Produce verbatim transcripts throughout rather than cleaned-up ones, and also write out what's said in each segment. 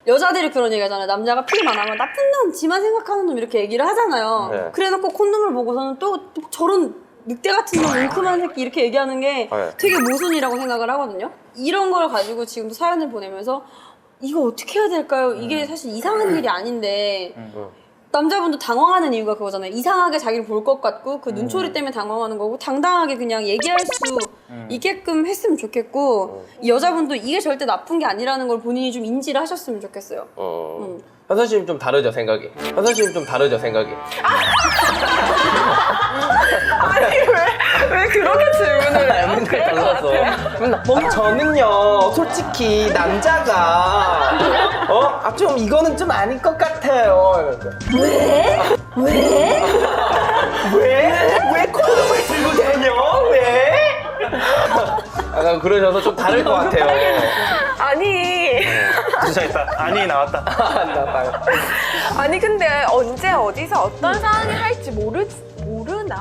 여자들이 그런 얘기 하잖아요. 남자가 피만 하면 나쁜 놈, 지만 생각하는 놈 이렇게 얘기를 하잖아요. 네. 그래놓고 콘돔을 보고서는 또 저런 늑대 같은 놈, 웅큼한 새끼 이렇게 얘기하는 게 네. 되게 모순이라고 생각을 하거든요. 이런 걸 가지고 지금도 사연을 보내면서 이거 어떻게 해야 될까요? 이게 사실 이상한 일이 아닌데 남자분도 당황하는 이유가 그거잖아요. 이상하게 자기를 볼 것 같고 그 눈초리 때문에 당황하는 거고 당당하게 그냥 얘기할 수 있게끔 했으면 좋겠고 이 여자분도 이게 절대 나쁜 게 아니라는 걸 본인이 좀 인지를 하셨으면 좋겠어요. 어. 음. 현선 씨는 좀 다르죠 생각이. 현선 씨는 좀 다르죠 생각이. 아니 왜 왜 그렇게 질문을 해요? 맨날 달라서. 맨날 아, 저는요 솔직히 남자가 어? 아, 좀 이거는 좀 아닐 것 같아요. 왜? 왜? 왜? 왜 콘돔을 들고 다녀? 왜? 약간 그러셔서 좀 다를 것 같아요. 아니 주저했다. 아니 나왔다. 나빠요. 아니 근데 언제 어디서 어떤 상황이 할지 모르 모르나?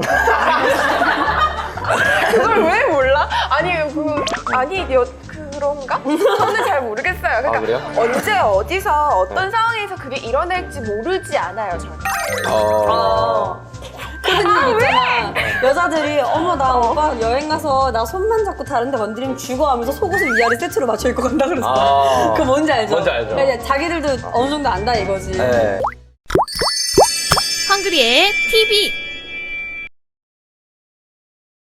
그걸 왜 몰라? 아니 그 아니 여 그런가? 저는 잘 모르겠어요. 그러니까 아, 그래요? 언제 어디서 어떤 상황에서 그게 일어날지 모르지 않아요. 저는. 어. 그런 일 있잖아. 여자들이 어머 나 오빠 여행 가서 나 손만 잡고 다른 데 건드리면 죽어 하면서 속옷을 위아래 세트로 맞춰 입고 간다 그랬어. 아. 그거 뭔지 알죠? 뭔지 알죠. 그러니까 자기들도 어느 정도 안다 이거지. 네. 헝그리의 티비